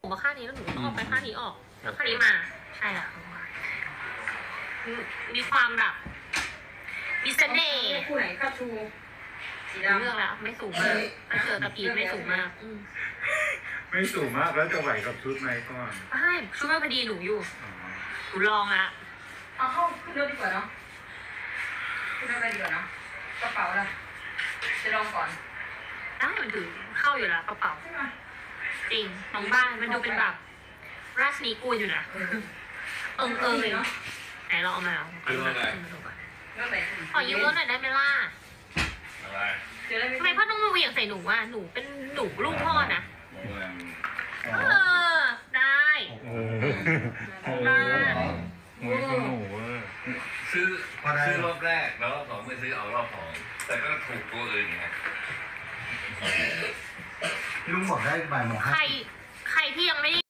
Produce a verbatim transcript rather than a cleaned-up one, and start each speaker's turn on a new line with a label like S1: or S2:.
S1: ผมมาข้างนี้แล้วหนูต้องออกไปข้างนี้ออกแล้วข้างนี้มาใช่ละมีความแบบมีเสน่ห์
S2: คู่ไหนข้าชูสีดำ
S1: เลือกแล้วไม่สูงมากถ้าเจอกับพีทไม่สูงมาก
S3: ไม่สูงมากแล้วจะไหวกับชุดไหมก่อน
S1: ใช่ชุดไม่พอดีหนูอยู่หนูลองละ
S2: เอาเข้าขึ้นรถดีกว่าเนาะขึ้นรถอะไรดีกว่าเนาะกระเป๋าล่ะจะลองก่อน
S1: ได้มันถือเข้าอยู่แล้วกระเป๋า
S2: ใช่ไหม
S1: จริงน้องบ้านมันดูเป็นแบบราชนีกูอยู่นะเอิงเอิงเลยเนาะไหนลองเอามาเอาขอยืมรถหน่อยได้ไหมล่ะทำไมพ่อต้องมาเหวี่ยงใส่หนูอ่ะหนูเป็นหนูลูกพ่อนะเออได้
S3: ได้หนูหนู
S4: ซื้อซื้อรอบแรกแล้วรอบสองไม่ซื้อเอารอบสองแต่ก็ถูกตัวอื่นไง
S3: ลุงบอกได้บ่ายโมงห้า
S1: ใครใครที่ยังไม่